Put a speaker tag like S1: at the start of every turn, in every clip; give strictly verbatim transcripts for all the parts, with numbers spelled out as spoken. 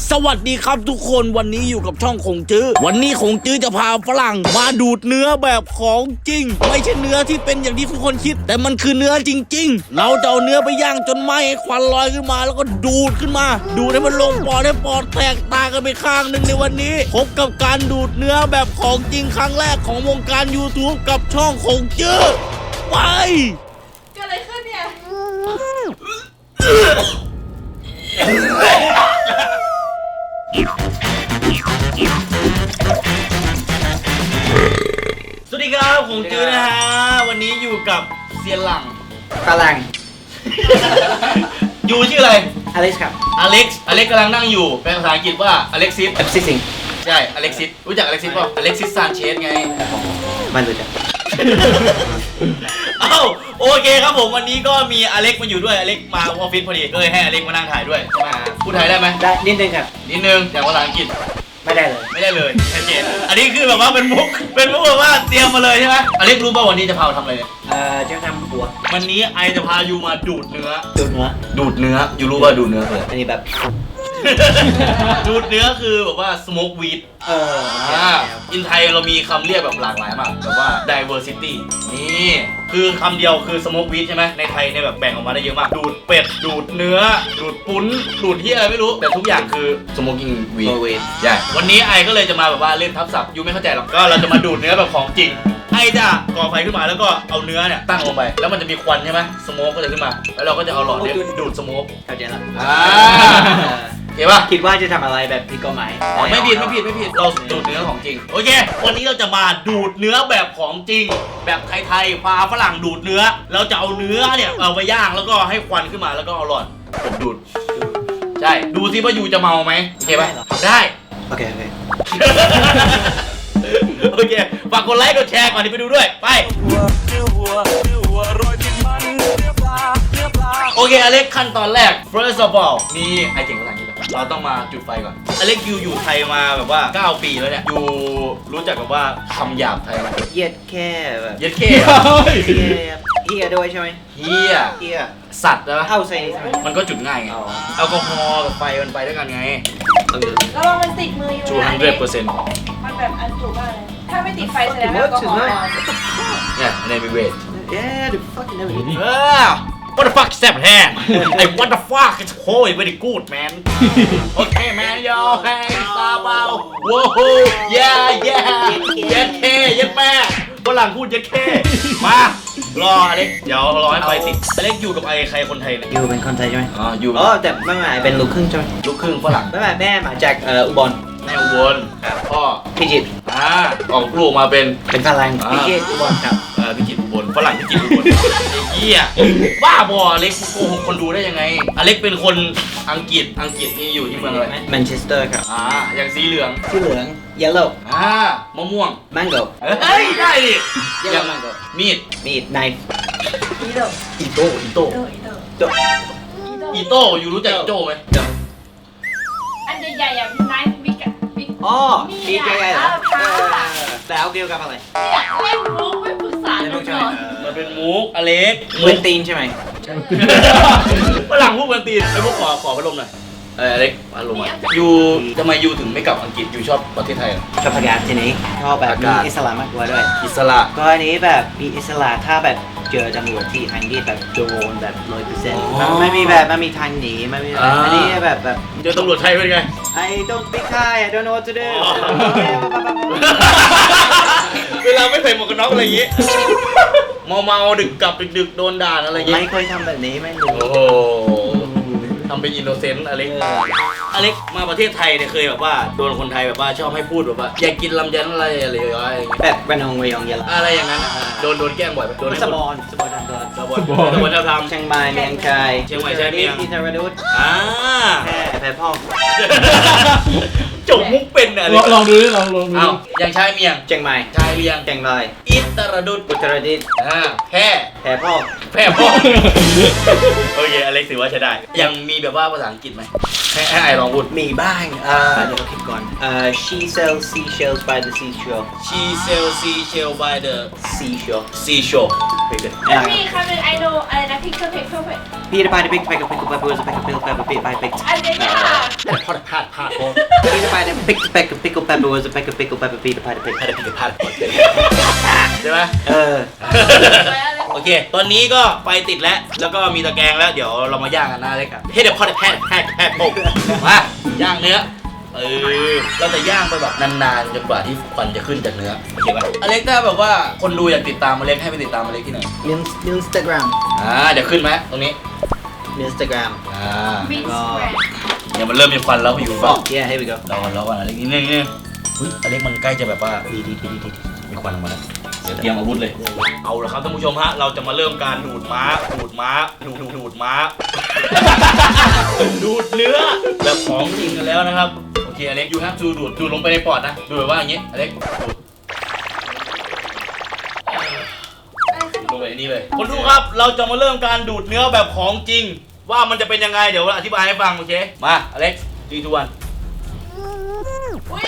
S1: สวัสดีครับทุกคนวันนี้อยู่กับช่องคงจื้อวันนี้คงจื้อจะพาฝรั่งมาดูดเนื้อแบบของจริงไม่ใช่เนื้อที่เป็นอย่างที่ทุกคนคิดแต่มันคือเนื้อจริงๆเราจะเอาเนื้อไปย่างจนไหม้ควันลอยขึ้นมาแล้วก็ดูดขึ้นมาดูดให้มันลงปอดให้ปอดแตกตากันไปข้างหนึ่งในวันนี้พบกับการดูดเนื้อแบบของจริงครั้งแรกของวงการ YouTube กับช่องคงจื้อไป
S2: เกิดอะไรขึ้นเนี่ย
S1: สวัสดีครับผมจื้อนะฮะวันนี้อยู่กับเซียนหลัง
S3: ฝรั่ง
S1: อยู่ชื่ออะไร
S3: อเล็กซ์ครับ
S1: อเล็กซ์อเล็กซ์กำลังนั่งอยู่เป็นภาษาอังกฤษว่าอเล็กซิส
S3: เอฟซีซิง
S1: ใช่อเล็กซิสรู้จักอเล็กซิสป่ะอเล็กซิสซานเชสไง
S3: มันรู้จัก
S1: เอ้าโอเคครับผมวันนี้ก็มีอเล็กมาอยู่ด้วยอเล็กมาออฟฟิศพอดีก็เลยให้อเล็กมานั่งถ่ายด้วยใช่ไหมพูดไทยได้ไหม
S3: ได้นิดนึงครับ
S1: นิดนึงแต่ภาษาอังกฤษ
S3: ไม่ได้เลย
S1: ไม่ได้เลยชัดเจนอันนี้คือแบบว่าเป็นมุกเป็นมุกแบบว่าเตรียมมาเลยใช่ไหมอเล็กรู้ป่ะวันนี้จะพาเราทำอะไรเนี่ย
S3: เอ่อจะทำหัว
S1: วันนี้ไอจะพายูมาดูดเนื้อ
S3: ดูเนื้อ
S1: ดูดเนื้อยูรู้ว่าดูดเนื้อคืออะไร
S3: อันนี้แบบ
S1: ดูดเนื้อคือแบบว่า smoke weed
S3: เออ
S1: อ่าอินไทยเรามีคำเรียกแบบหลากหลายมากแบบว่า diversity นี่คือคำเดียวคือ smoke weed ใช่ไหมในไทยเนี่ยแบบแบ่งออกมาได้เยอะมากดูดเป็ดดูดเนื้อดูดปุ้นดูดที่อะไรไม่รู้แต่ทุกอย่างคือ smoking
S3: โม
S1: weed
S3: เวท
S1: ใช่วันนี้ไอก็เลยจะมาแบบว่าเล่นทับศัพท์ยูไม่เข้าใจหรอกก็เราจะมาดูดเนื้อแบบของจริงไอจะก่อไฟขึ้นมาแล้วก็เอาเนื้อเนี่ยตั้งลงไปแล้วมันจะมีควันใช่ไหมสโมกก็จะขึ้นมาแล้วเราก็จะเอาหลอดเนี่ยดูดสโมก
S3: เข้าใจละ
S1: อ่าเห็นป่ะ
S3: คิดว่าจะทำอะไรแบบผิดกฎหมาย
S1: ไม่ผิดไม่ผิดไม่ผิดเราดูดเนื้อของจริงโอเควันนี้เราจะมาดูดเนื้อแบบของจริง แบบไทยๆพาฝรั่งดูดเนื้อเราจะเอาเนื้อเนี่ยเอาไปย่างแล้วก็ให้ควันขึ้นมาแล้วก็เอาหลอดผมดูดใช่ดูซิว่ายูจะเมาไหมโอเคป่ะทำได้
S3: โอเคโอเค
S1: โอเคฝากกดไลค์กดแชร์ก่อนที่ไปดูด้วยไปโอเคอเล็กขั้นตอนแรก first of all นี่ไอเก่งภาษาอังกฤษแบบเราต้องมาจุดไฟก่อนอเล็กยูอยู่ไทยมาแบบว่าเก้าปีแล้วเนี่ยยูรู้จักกับว่าคำหยาบไทยไหม
S3: เยียดแค่แบบ
S1: เย็ดเข้เหรอ
S3: เฮียเฮียด้วยใช่ไหม
S1: เฮีย
S3: เฮีย
S1: สัตว์นะ
S3: เข้าใส่ใช่ไหม
S1: มันก็จุดง่ายไง
S3: อ๋อ
S1: แอลกอฮอล์กับไฟมันไปด้วยกันไง
S2: แล้วลองมันติดมืออยู่
S1: two
S2: นะ
S1: hundred percent
S2: มันแบบอันสูงมากเลยถ้าไม่ติดไฟแสดงว่าแอลกอฮอล์น้อย
S1: เนี่ยในมีเวท
S3: เย้ดู fucking never
S1: เออ what the fuck is that hand ไอ้ what the fuck it's holy very good man okay man yo hey ซาเบาโว้โห yeah yeah เย็ดเคเย็ดแม่ฝรั่งพูดเย็ดเคมารออเล็กเดี๋ยวรอให้ไฟติดอเล็กอยู่กับไอ้ใครคนไทยเนี่ย
S3: อยู่เป็นคนไทยใช่ไหม
S1: อ๋ออยู่
S3: อ๋อแต่ไม่ไม่เป็นลูกครึ่งใช่ไหม
S1: ลูกครึ่งฝรั่ง
S3: ไม่ไม่แม่มาจากเอ่ออุบล
S1: แม่อุบลพ่อ
S3: พิจิตร
S1: อ่าออกลูกมาเป็น
S3: เป็นฝรั่งพิจิตรอุบลครับ
S1: เออพิจิตรอุบลฝรั่งพิจิตรอุบลไอ้เหี้ยบ้าบออเล็กโกหกคนดูได้ยังไงอเล็กเป็นคนอังกฤษอังกฤษนี่อยู่ที่เมืองอะไร
S3: แมนเชสเตอร์ครับ
S1: อ่าอย่างสีเหลือง
S3: สีเหลือง yellow
S1: อ่ามะม่วง
S3: mango
S1: เฮ้ยได้ดิ
S3: yellow mango
S1: มีด
S3: มีด knife
S2: อีโต้
S1: อีโต้อีโต้
S2: อีโต้อีโต้
S3: จบ
S1: อีโต้อยู่รู้จักอีโต้ไหม
S2: อันใหญ่ๆอ่ะไนฟ์บิ๊กอ่ะบิ๊ก
S3: อ๋อมีใจใหญ่เหรอ
S2: เออ
S3: แล้วเกี่ยวกับอะไร
S2: อยากเล่นมุกไม่ปรึกษา
S3: เล่น
S2: กั
S3: มุ
S2: น
S3: กใช่
S2: ก่
S3: ไหม
S2: อน
S1: มันเป็นมุกอเล็ก
S3: เวนตีนใช่ไหม
S1: ฝรั่งพูดกันตีนไอ้พวกขอขอพัดลมหน่อยเอออเล็กพัดลมมายูทำไมยูถึงไม่กลับอังกฤษยูชอบประเทศไทยเหรอ
S3: ชอบอากาศที่นี้ชอบแบบมีอิสระมากกว่าด้วย
S1: อิสระ
S3: ก็อันนี้แบบมีอิสระถ้าแบบเจอตำรวจที่อังกฤษแบบโดนแบบร้อยเปอร์เซ็นต์ไม่มีแบบไม่มีทางหนีไม่มีแบบอันนี้แบบแบบ
S1: เจอตำรวจไทยเป็นไง
S3: I don't speak Thai I don't know what to do
S1: เวลาไม่ใส่หมวกกันน็อกอะไรอย่างงี้ เมาเมาๆดึกกลับดึกๆโดนด่าอะไรอย่างงี้
S3: ไม่เคยทำแบบนี้ไม่รู้
S1: โอ้โหทำเป็นอินโนเซนต์อเล็กอเล็กมาประเทศไทยเนี่ยเคยแบบว่าโดนคนไทยแบบว่าชอบให้พูดแบบว่าอยากกินลำไยอะไรอะไรอย่างเงี้ย
S3: แบบระนองระยองยะลา
S1: อะไรอย่างนั้นอะโดนโดนแกล้งบ่อยไหมโดนให้
S3: ส
S1: พูด
S3: บอนสบอนทำตัว
S1: สบอนสบอนจะทำ
S3: เชียงใหม่เมียงชาย
S1: เชียงใหม่เชียงเมียง
S3: อินทรดุษ
S1: อ่า
S3: แพร่แพร่พ่อ
S1: จบมุกเป็นอะ
S4: ลองลองดูดิลองลองดู
S1: เอาอย่างชายเมียง
S3: เชียงใหม่
S1: ชายเลียง
S3: เชียงราย
S1: อิตรดุษ
S3: อุตรดิตถ์
S1: อ่าแพร่
S3: แพร่พ่อ
S1: แพร่พ่อโอเคอเล็กถือว่าใช้ได้ยังมีแบบว่าภาษาอังกฤษไหมให้ให้ไอลองพูด
S3: มีบ้างเอ่อเดี๋ยวคิดก่อนเอ่อ she sells seashells by the seashore
S1: She sells seashell by the
S3: seashore
S1: seashore ไปกัน
S2: มีคำหนึ่ง I know อะไรนะ picture picture
S3: พี่ได้ไปได้ไปกับไปกับไปกับไปกับไปกับไปกับไปกับ
S2: อันใหญ่
S1: พอดพลาดพลาดโอ้
S3: Peter Pan pick the peck of pickle pepper was a peck of pickle pepper Peter Pan pick
S1: พลาดพลาดพลาดใช่ไหม
S3: เออ
S1: โอเค ตอนนี้ก็ไฟติดแล้ว แล้วก็มีตะแกรงแล้ว เดี๋ยวเรามาย่างกันนะเล็กครับให้เดี๋ยวพอดแพทแพทแพทโป๊กมาย่างเนื้อ เออ เราจะย่างไปแบบนานๆจนกว่าที่ควันจะขึ้นจากเนื้อ โอเคป่ะอเล็กถ้าแบบว่าคนดูอยากติดตามอเล็กให้ไปติดตามอเล็กที่ไหน
S3: Instagram
S1: อ่า เดี๋ยวขึ้นไหมตรงนี้
S3: Instagram
S1: อ่า
S2: บิ๊กแกรน
S1: เดี๋ยวมันเริ่มมีควันแล้วอยู่บ้าง
S3: oh yeah here we go
S1: รอก่อนรอก่อนอเล็กนิดนึงนิดนึงอุ้ยอเล็กมันใกล้จะแบบว่า
S3: ดีดีดีดีดี
S1: มีควันออกมาแล้วเดี๋ยวเตรียมอาวุธเลย เอาละครับท่านผู้ชมฮะ เราจะมาเริ่มการดูดม้า ดูดม้า ดูดดูดดูดม้า ดูดเนื้อแบบของจริงกันแล้วนะครับ โอเคอเล็กยูฮับจูดูดดูดลงไปในปอดนะ ดูแบบว่าอย่างงี้อเล็กดูดลงไปในนี่เลย คนดูครับ เราจะมาเริ่มการดูดเนื้อแบบของจริง ว่ามันจะเป็นยังไง เดี๋ยวอธิบายให้ฟังโอเค มาอเล็กซีทูวัน
S2: อุ้ย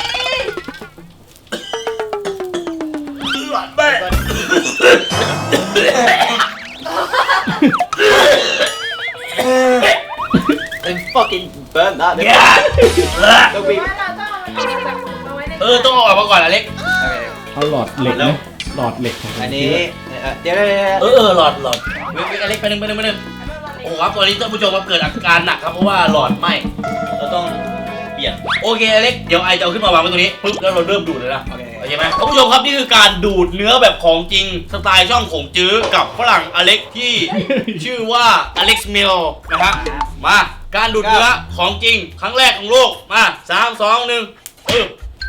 S3: I fucking burn that ต้องบีบ
S2: ว่าเราต้องเอามันออกจากเอาไว้ใน
S1: เออต้องเอาออกมาก่อนอเล็ก
S4: เอาหลอดเหล็กนะหลอดเหล็กของ
S3: อันนี้เดี๋ยวเดี๋ยวเดี๋ยว
S1: เออเออหลอดหลอดเว้ยเว้ยอเล็กไปหนึ่งไปหนึ่งไปหนึ่ง โอ้โหครับตอนนี้ท่านผู้ชมครับเกิดอาการหนักครับเพราะว่าหลอดไหม้เราต้องเปลี่ยนโอเคอเล็กเดี๋ยวไอจะเอาขึ้นมาวางไว้ตรงนี้ปุ๊บแล้วเราเริ่มดูดเลยนะ
S3: โอเค
S1: โอเคไหมท่านผู้ชมครับนี่คือการดูดเนื้อแบบของจริงสไตล์ช่องของจื้อกับฝรั่งอเล็กที่ชื่อว่าอเล็กซ์มิลนะครับมาการดูดเนื้อของจริงครั้งแรกของโลกมาสามสองหนึ่งปึ๊บ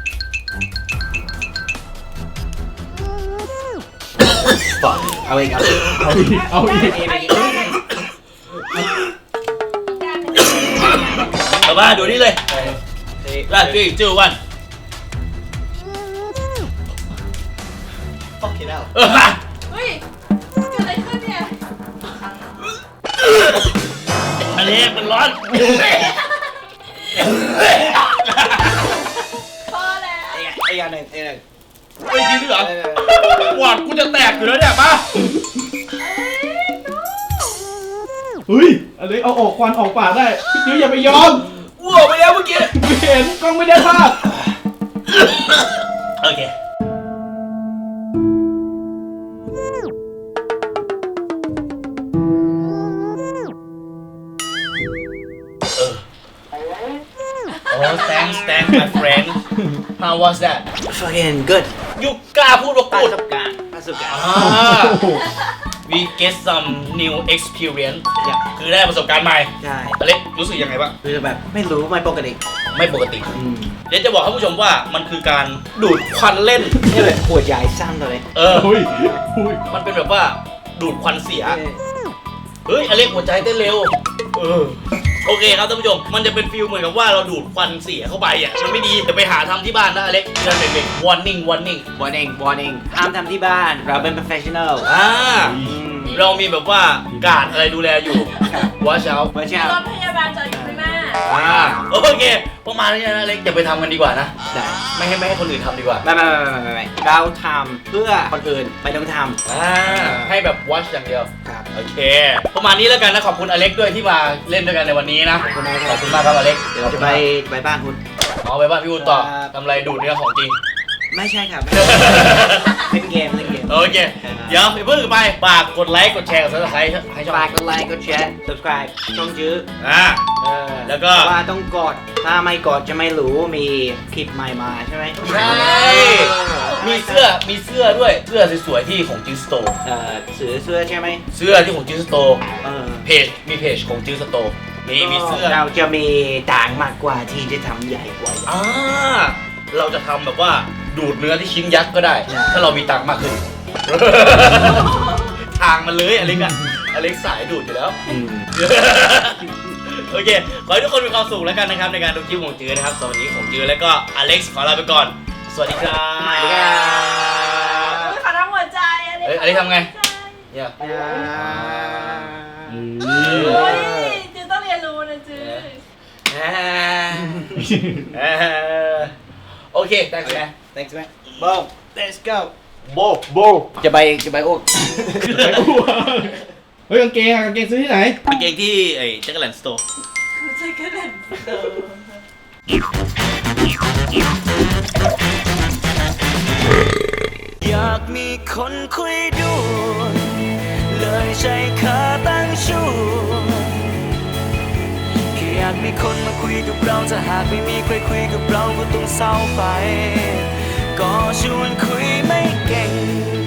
S3: fuck เอาอีกเอาอีก
S4: เอาอีกเอาอีก
S2: ไอ้ไอ้ไอ้การเป็น
S1: เอามาดูนี่เลยลาดที่จื้อวัน
S3: fucking hell
S1: เออมา
S2: เฮ้ยเกิดอะไรขึ้นเนี่ย
S1: อเล็กมันร้อน
S2: พอแล้ว
S3: ไอ้ยาหนึ่งไอ้หนึ่ง
S1: ไม่จริงเหรอหวอดกูจะแตกอยู่แล้วเนี่ยมา
S4: เฮ้ยอันนี้เอาออกควันออกปากได้พี่จิ๋วอย่าไปยอม
S1: อ้วกไปแล้วเมื่อกี้
S4: ไม่เห็นกล้องไม่ได้ภาพ
S1: โอเคเออ Oh thanks thanks my friend how was that
S3: fucking good
S1: ยูกล้าพูดว่า
S3: ประ
S1: กูด
S3: สบการณ์ประสบการณ์
S1: อ่า we get some new experience
S3: อยาก
S1: คือได้ประสบการณ์ใหม่
S3: ใช่
S1: อเล็กรู้สึกยังไงบ้าง
S3: คือแบบไม่รู้ไม่ปกติ
S1: ไม่ปกติ เดี๋ยวจะบอกท่านผู้ชมว่ามันคือการดูดควันเล่น
S3: นี่แบบหัวใหญ่สั้นเลย
S1: เออ
S4: เฮ้ยเฮ้ย
S1: มันเป็นแบบว่าดูดควันเสีย เฮ้ยอเล็กหัวใจเต้นเร็ว เออ โอเคครับท่านผู้ชม มันจะเป็นฟิลเหมือนกับว่าเราดูดควันเสียเข้าไปอ่ะ มันไม่ดีจะไปหาทำที่บ้านนะอเล็กเตือนเด็กๆ warning warning
S3: warning warning ห้ามทำที่บ้านเราเป็น professional
S1: อ่า
S3: อืม
S1: เรามีแบบว่าการดอะไรดูแลอยู่ watch out
S3: ไม่ใช่
S2: มีรถพยาบาลจอดอยู่ข้างหน้า
S1: อ่า โอเค ประมาณนี้นะอเล็กอย่าไปทำกันดีกว่านะ
S3: ได้
S1: ไม่ให้ไม่ให้คนอื่นทำดีกว่า
S3: ไม่ไม่ไม่ไม่ไม่ไม่เราทำเพื่อคนอื่นไม่ต้องทำ
S1: อ่า ให้แบบ watch อย่างเดียว
S3: ครับ
S1: โอเค ประมาณนี้แล้วกันนะ ขอบคุณอเล็กด้วยที่มาเล่นด้วยกันในวันนี้นะ
S3: ขอบคุณมากครับ
S1: ขอบคุณมากครับอเล็ก
S3: เดี๋ยวเราจะไปไปบ้านคุณ
S1: เอาไปบ้านพี่วุฒิต่อ
S3: ครับ
S1: ทำอะไรดูดเนื้อของจริง
S3: ไม่ใช่ครับเล่นเกมเล่นเกม
S1: โอเค เดี๋ยวไปเพิ่งไปฝากกดไลค์กดแชร์กดซับสไครต์ให้ช่อง
S3: ฝากกดไลค์กดแชร์ subscribe ช่องจื้อ
S1: อ่า
S3: เออ
S1: แล้วก็
S3: ว่าต้องกดถ้าไม่กดจะไม่รู้มีคลิปใหม่มาใช่ไหม
S1: ใช่ มีเสื้อ มีเสื้อด้วย เสื้อสวยๆที่ของจิสโต
S3: เอ่อซื้อเสื้อใช่ไหม
S1: เสื้อที่ของจิสโต
S3: เออ
S1: เพจ มีเพจของจิสโต มีมีเสื้อ
S3: เราจะมีต่างมากกว่าที่จะทำใหญ่กว่า
S1: อ่า เราจะทำแบบว่าดูดเนื้อที่ชิ้นยักษ์ก็ได้
S3: ใช่
S1: ถ้าเรามีตังค์มากขึ้น ทางมันเลยอเล็กอะอเล็กสายดูดอยู่แล้ว
S3: อืม
S1: โอเค ขอให้ทุกคนมีความสุขแล้วกันนะครับในการดูคลิปของจื้อนะครับสวัสดีของจื้อแล้วก็อเล็กซ์ขอลาไปก่อน สวัสดีครับ
S3: สวัสดีครับ
S2: อุ๊ยขอทำหัวใจอันนี้
S1: เอ้ยอันนี้ทำไง เนี่ย
S2: เฮ้ยจือต้องเรียนรู้นะจือ
S1: อ่าอ่าโอเค thanks man
S3: thanks man boom let's go
S1: โบโบ
S3: จะไปจะไปอ้วก
S4: ไปอ้วกเฮ้ยกางเกงอะกางเกงซื้อที่ไหน
S1: กางเกงที่ไอ้แจ็คแลนด์สโตร์
S5: อยากมีคนคุยด้วยเลยใช้ขาตั้งชูแค่อยากมีคนมาคุยกับเราถ้าหากไม่มีใครคุยกับเราก็ต้องเศร้าไปก็ชวนคุยไม่เก่ง